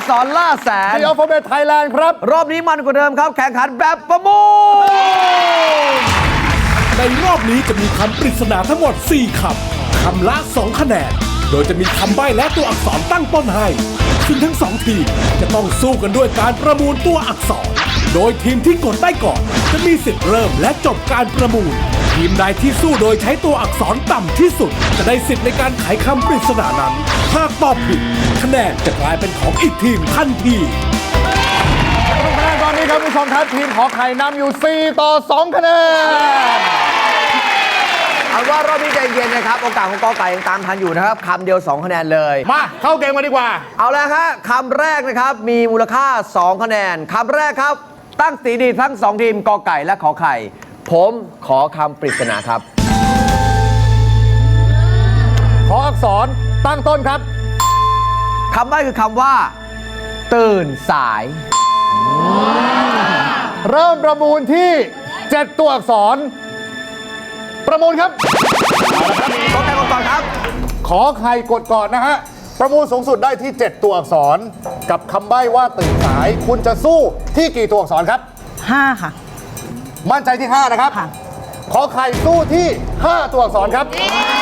กษรล่าแสน The Alphabet Thailand ครับรอบนี้มันกว่าเดิมครับ แข่งขันแบบประมูลในรอบนี้จะมีคำปริศนาทั้งหมด 4 คำ คำละ 2 คะแนน โดยจะมีคำใบ้และตัวอักษรตั้งต้นให้ ซึ่งทั้ง 2 ทีมจะต้องสู้กันด้วยการประมูลตัวอักษร โดยทีมที่กดได้ก่อนจะมีสิทธิ์เริ่มและจบการประมูล ทีมใดที่สู้โดยใช้ตัวอักษรต่ำที่สุด จะได้สิทธิ์ในการไขคำปริศนานั้น หากตอบผิดคะแนนจะกลายเป็นของอีกทีมทันทีคะแนนตอนนี้ครับผู้ชมครับทีมขอไข่นำอยู่ 4-2 คะแนนเอาว่ารอบนี้ใจเย็นนะครับ โอกาสของกอไก่ยังตามทันอยู่นะครับคำเดียว 2 คะแนนเลยมาเข้าเกมกันดีกว่าเอาแล้วฮะคำแรกนะครับ มีมูลค่า 2 คะแนนคำแรกครับ ตั้งสีดีทั้ง 2 ทีมกอไก่และขอไข่ ผมขอคำปริศนาครับขออักษรตั้งต้นครับคำใบ้คือคำว่า ตื่นสายเริ่มประมูลที่ 7 ตัวอักษร ประมูลครับกอไก่ก่อนครับขอไข่กดก่อนนะฮะ ประมูลสูงสุดได้ที่ 7 ตัวอักษร กับคำใบ้ว่าตื่นสาย คุณจะสู้ที่กี่ตัวอักษรครับ 5 ค่ะมั่นใจที่ 5 นะครับค่ะขอไข่สู้ที่ 5 ตัวอักษรครับ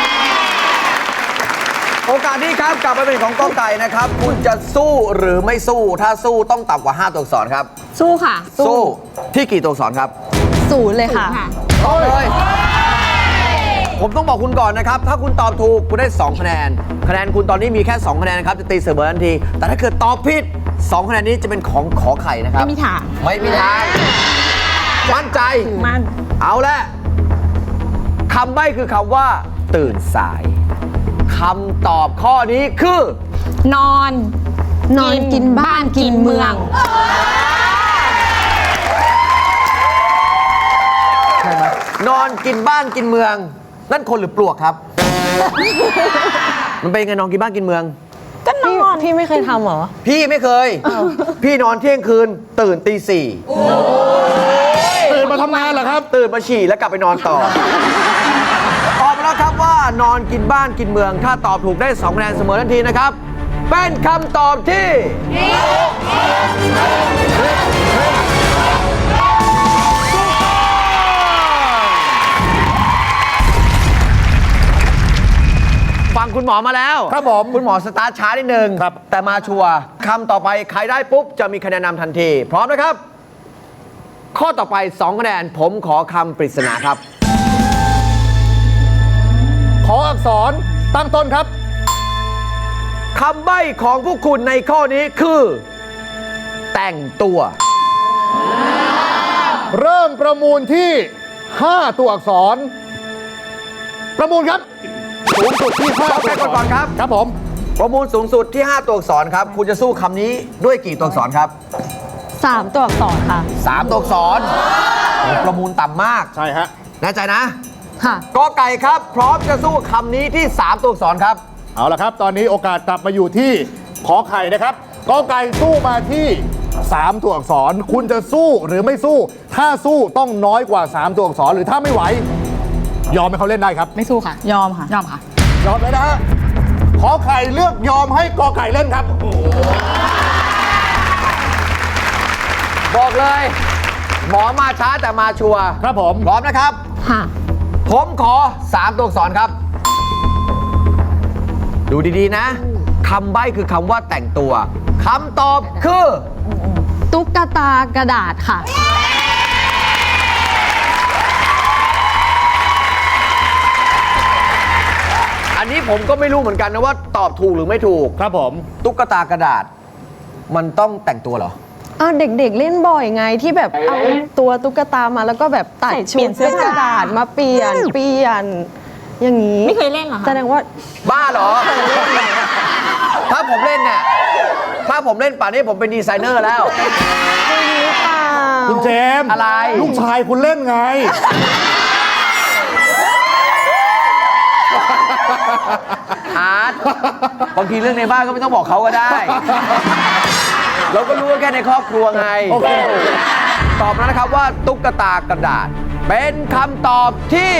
โอกาสนี้ครับกลับมาเป็นของกอไก่นะครับ คุณจะสู้หรือไม่สู้ ถ้าสู้ต้องต่ำกว่า 5 ตัวอักษรครับสู้ค่ะสู้ที่กี่ตัวอักษรครับ 0เลยค่ะตอบเลย ผมต้องบอกคุณก่อนนะครับ ถ้าคุณตอบถูกคุณได้ 2 คะแนน คะแนนคุณตอนนี้มีแค่ 2 คะแนนนะครับ จะตีเสมอทันที แต่ถ้าเกิดตอบผิด 2 คะแนนนี้จะเป็นของขอไข่นะครับไม่มีทางไม่มีทางมั่นใจมันเอาละคำใบ้คือคำว่า ตื่นสายคำตอบข้อนี้คือนอนกินบ้านกินเมืองใช่ไหมนอนกินบ้านกินเมือง นั่นคนหรือปลวกครับ มันเป็นไงนอนกินบ้านกินเมืองก็นอนพี่ไม่เคยทำเหรอพี่ไม่เคย พี่นอนเที่ยงคืน ตื่นตีตื่นมาทำงานเหรอครับ 4ตื่นมาฉี่แล้วกลับไปนอนต่อ ตอบมาแล้วครับว่านอนกินบ้านกินเมือง ถ้าตอบถูกได้ 2 คะแนนเสมอทันทีนะครับ เป็นคำตอบที่ฟังคุณหมอมาแล้วครับผมคุณหมอสตาร์ทช้านิดนึงครับแต่มาชัวร์คำต่อไปใครได้ปุ๊บ จะมีคะแนนนำทันที พร้อมนะครับ ข้อต่อไป 2 คะแนน ผมขอคำปริศนาครับขออักษรตั้งต้นครับคำใบ้ของพวกคุณในข้อนี้คือ แต่งตัวเริ่มประมูลที่ 5 ตัวอักษร ประมูลครับสูงสุดที่5 กอไก่ก่อนครับครับผมประมูลสูงสุดที่ 5 ตัวอักษรครับ คุณจะสู้คำนี้ด้วยกี่ตัวอักษรครับ 3 ตัวอักษรค่ะ 3 ตัวอักษรโอ้ประมูลต่ำมากใช่ฮะแน่ใจนะค่ะกอไก่ครับ พร้อมจะสู้คำนี้ที่ 3 ตัวอักษรครับเอาละครับ ตอนนี้โอกาสกลับมาอยู่ที่ขอไข่นะครับกอไก่สู้มาที่ 3 ตัวอักษร คุณจะสู้หรือไม่สู้ ถ้าสู้ต้องน้อยกว่า 3 ตัวอักษร หรือถ้าไม่ไหว ยอมให้เขาเล่นได้ครับไม่สู้ค่ะ ยอมค่ะ ยอมค่ะยอมเลยนะฮะขอไข่เลือกยอมให้กอไก่เล่นครับบอกเลย หมอมาช้าแต่มาชัวร์ครับผมพร้อมนะครับค่ะผมขอ 3 ตัวอักษรครับ ดูดีๆนะคำใบ้คือคำว่าแต่งตัวคำตอบคือตุ๊กตากระดาษค่ะอันนี้ผมก็ไม่รู้เหมือนกันนะว่าตอบถูกหรือไม่ถูกครับผมตุ๊กตากระดาษ มันต้องแต่งตัวเหรอเด็กๆเล่นบ่อยไงที่แบบเอาตัวตุ๊กตามาแล้วก็แบบตัดชุเปลี่ดยนเสื้อเป็นกระดาษมาเปลี่ยนอย่างนี้ไม่เคยเล่นเหรอคะแสดงว่าบ้าเหรอ ถ้าผมเล่นเนี่ยถ้าผมเล่นป่านนี้ผมเป็นดีไซเนอร์แล้วไม่รู้เปล่าคุณเจมส์อะไรลูกชายคุณเล่นไงอาร์ตบางทีเรื่องในบ้านก็ไม่ต้องบอกเขาก็ได้ เราก็รู้ว่าแค่ในครอบครัวไงโอเคตอบมาแล้วนะครับว่าตุ๊กตากระดาษ เป็นคำตอบที่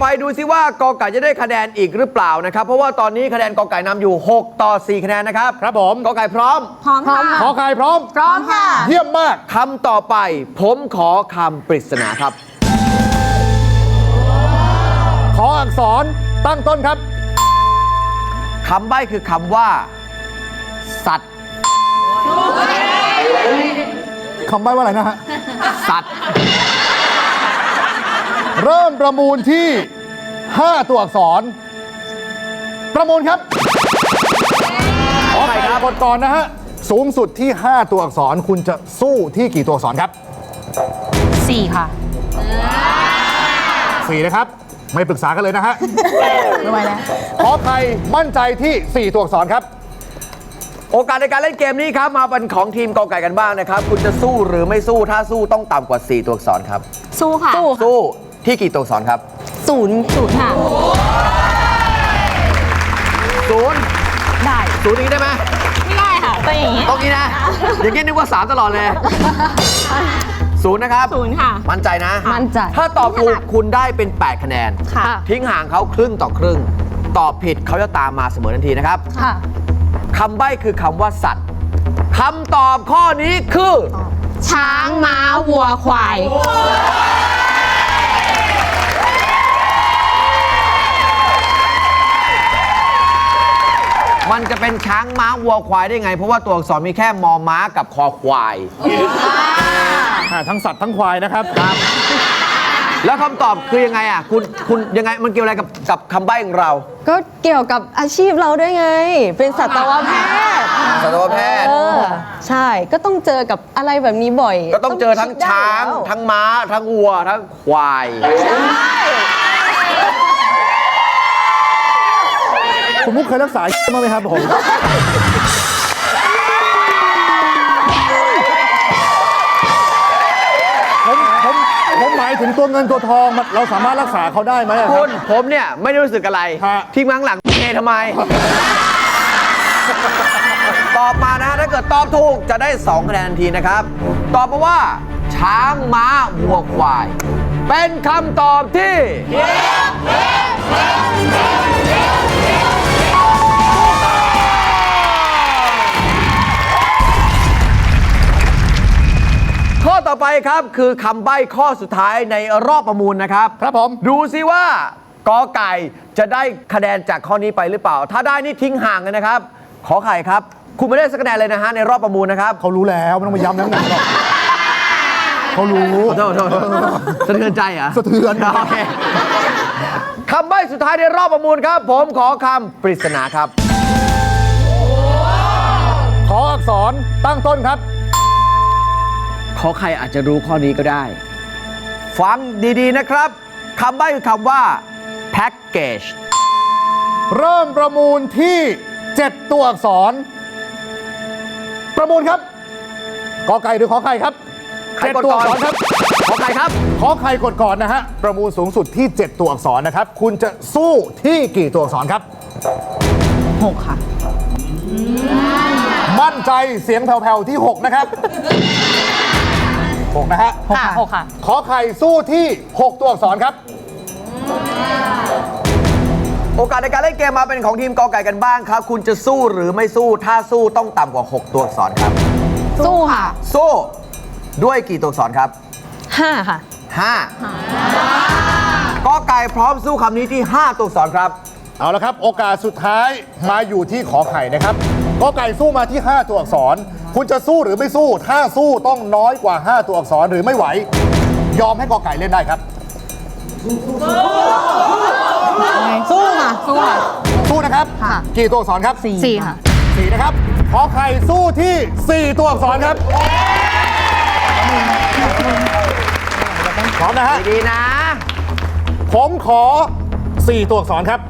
ดูซิว่ากอไก่จะได้คะแนนอีกหรือเปล่านะครับ เพราะว่าตอนนี้คะแนนกอไก่นำอยู่ 6 ต่อ 4 คะแนนนะครับครับผมกอไก่พร้อมพร้อมค่ะขอไข่พร้อมพร้อมค่ะเยี่ยมมากคำต่อไปผมขอคำปริศนาครับขออักษรตั้งต้นครับคำใบ้คือคำว่า สัตว์คำใบ้ว่าอะไรนะฮะสัตว์เริ่มประมูลที่ 5 ตัวอักษร ประมูลครับ ขอไข่กดก่อนนะฮะ สูงสุดที่ 5 ตัวอักษรคุณจะสู้ที่กี่ตัวอักษรครับ 4 ค่ะ 4 นะครับ ไม่ปรึกษากันเลยนะฮะไม่ไหวแล้วขอไข่มั่นใจที่ 4 ตัวอักษรครับโอกาสในการเล่นเกมนี้ครับมาเป็นของทีมกอไก่กันบ้างนะครับ คุณจะสู้หรือไม่สู้ถ้าสู้ต้องต่ำกว่า 4 ตัวอักษรครับสู้ค่ะสู้ที่กี่ตัวอักษรครับ 0 ค่ะศูนย์ได้ศูนย์อย่างนี้ได้ไหมไม่ได้ค่ะต้องอย่างนี้ต้องนี้นะ อย่างนี้นึกว่า 3 ตลอดเลยศูนย์นะครับ 0 ค่ะมั่นใจนะมั่นใจถ้าตอบถูกคุณได้เป็น 8 คะแนนค่ะทิ้งห่างเขาครึ่งต่อครึ่ง ตอบผิดเขาจะตามมาเสมอทันทีนะครับค่ะคำใบ้คือคำว่าสัตว์คำตอบข้อนี้คือช้างม้าวัวควายมันจะเป็นช้างม้าวัวควายได้ไง เพราะว่าตัวอักษรมีแค่มอม้ากับคอควายทั้งสัตว์ทั้งควายนะครับแล้วคำตอบคือยังไงอ่ะคุณยังไงมันเกี่ยวอะไรกับคำใบ้ของเราก็เกี่ยวกับอาชีพเราด้วยไง เป็นสัตวแพทย์สัตวแพทย์ใช่ ก็ต้องเจอกับอะไรแบบนี้บ่อยก็ต้องเจอทั้งคิดได้ช้างแล้วทั้งม้า ทั้งวัว ทั้งควายคุณมุกเคยรักษามาไหมครับผม ผมหมายถึงตัวเงินตัวทองเราสามารถรักษาเขาได้ไหมอะคคุรับณผมเนี่ยไม่ได้รู้สึกอะไรฮะที่มั้งหลังเททำไม ตอบมานะฮะถ้าเกิดตอบถูกจะได้ 2 คะแนนทันทีนะครับ ตอบมาว่า ช้างม้าวัวควาย เป็นคำตอบที่ ข้อต่อไปครับคือคำใบ้ข้อสุดท้ายในรอบประมูลนะครับครับผมดูซิว่ากอไก่จะได้คะแนนจากข้อนี้ไปหรือเปล่า ถ้าได้นี่ทิ้งห่างเลยนะครับ ขอไข่ครับ คุณไม่ได้สักคะแนนเลยนะฮะในรอบประมูลนะครับเขารู้แล้วไม่ต้องมาย้ำน้ำหนักหรอกเขารู้โทษสะเทือนใจเหรอสะเทือนโอเคคำใบ้สุดท้ายในรอบประมูลครับ ผมขอคำปริศนาครับขออักษรตั้งต้นครับขอใครอาจจะรู้ข้อนี้ก็ได้ ฟังดีๆนะครับคำใบ้คือคำว่า package เริ่มประมูลที่ 7 ตัวอักษร ประมูลครับกอไก่หรือขอไข่ครับใครกด 7 ตัวก่อัอนกษรครับขอใครครับขอไข่กดก่อนนะฮะ ประมูลสูงสุดที่ 7 ตัวอักษรนะครับ คุณจะสู้ที่กี่ตัวอักษรครับ 6 ค่ะมั่นใจเสียงแผ่วๆที่ 6 นะครับ 6 นะฮะค่ะ 6 ค่ะขอไข่สู้ที่ 6 ตัวอักษรครับโอกาสในการเล่นเกมมาเป็นของทีมกอไก่กันบ้างครับ คุณจะสู้หรือไม่สู้ถ้าสู้ต้องต่ำกว่า 6 ตัวอักษรครับสู้ค่ะสู้ด้วยกี่ตัวอักษรครับ 5 ค่ะ 5กอไก่พร้อมสู้คำนี้ที่ 5 ตัวอักษรครับเอาละครับ โอกาสสุดท้ายมาอยู่ที่ขอไข่นะครับกอไก่สู้มาที่ 5 ตัวอักษร คุณจะสู้หรือไม่สู้ ถ้าสู้ต้องน้อยกว่า 5 ตัวอักษรหรือไม่ไหว ยอมให้กอไก่เล่นได้ครับสู้ค่ะ สู้ค่ะสู้นะครับค่ะกี่ตัวอักษรครับ 4 ค่ะ 4นะครับ ขอไข่สู้ที่ 4 ตัวอักษรครับพร้อมนะฮะดีๆนะผมขอ 4 ตัวอักษรครับ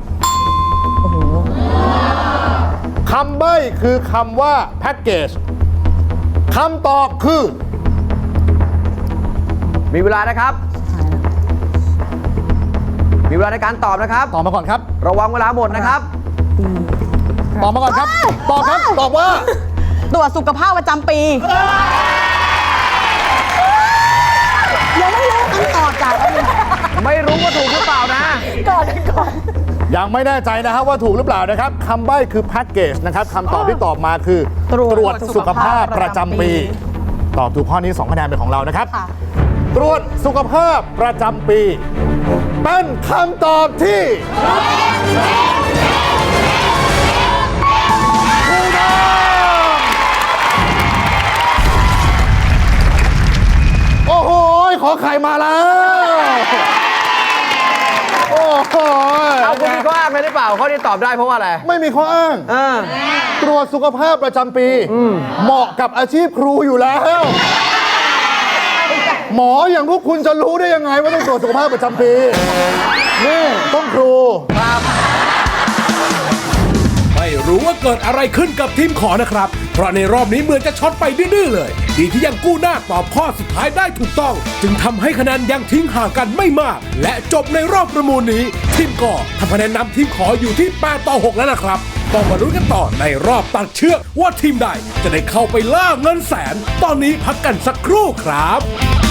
คำใบ้คือคำว่าแพ็กเกจคำตอบคือมีเวลานะครับ มีเวลาในการตอบนะครับตอบมาก่อนครับระวังเวลาหมดนะครับตอบมาก่อนครับ ตอบครับ ตอบว่าตรวจสุขภาพประจำปียังไม่รู้คำตอบจากอันนี้ไม่รู้ว่าถูกหรือเปล่านะก็ยังไม่แน่ใจนะครับว่าถูกหรือเปล่านะครับคำใบ้คือแพ็กเกจนะครับคำตอบที่ตอบมาคือตรวจสุขภาพประจำปี ตอบถูกข้อนี้ 2 คะแนนเป็นของเรานะครับ ตรวจสุขภาพประจำปีเป็นคำตอบที่ถูกต้องโอ้โหขอไข่มาแล้ว โอ้โหเอาคุณมีข้ออ้างอะไรหรือเปล่าข้อนี้ตอบได้เพราะว่าอะไรไม่มีข้ออ้าง ตรวจสุขภาพประจำปี เหมาะกับอาชีพครูอยู่แล้ว หมออย่างพวกคุณจะรู้ได้ยังไงว่าต้องตรวจสุขภาพประจำปี นี่ต้องครูไม่รู้ว่าเกิดอะไรขึ้นกับทีมขอนะครับ เพราะในรอบนี้เหมือนจะช็อตไปดื้อๆเลย ดีที่ยังกู้หน้าตอบข้อสุดท้ายได้ถูกต้อง จึงทำให้คะแนนยังทิ้งห่างกันไม่มาก และจบในรอบประมูลนี้ ทีมก่อทำคะแนนนำทีมขออยู่ที่8-6แล้วนะครับ ต้องมาลุ้นกันต่อในรอบตัดเชือกว่าทีมใดจะได้เข้าไปล่าเงินแสน ตอนนี้พักกันสักครู่ครับ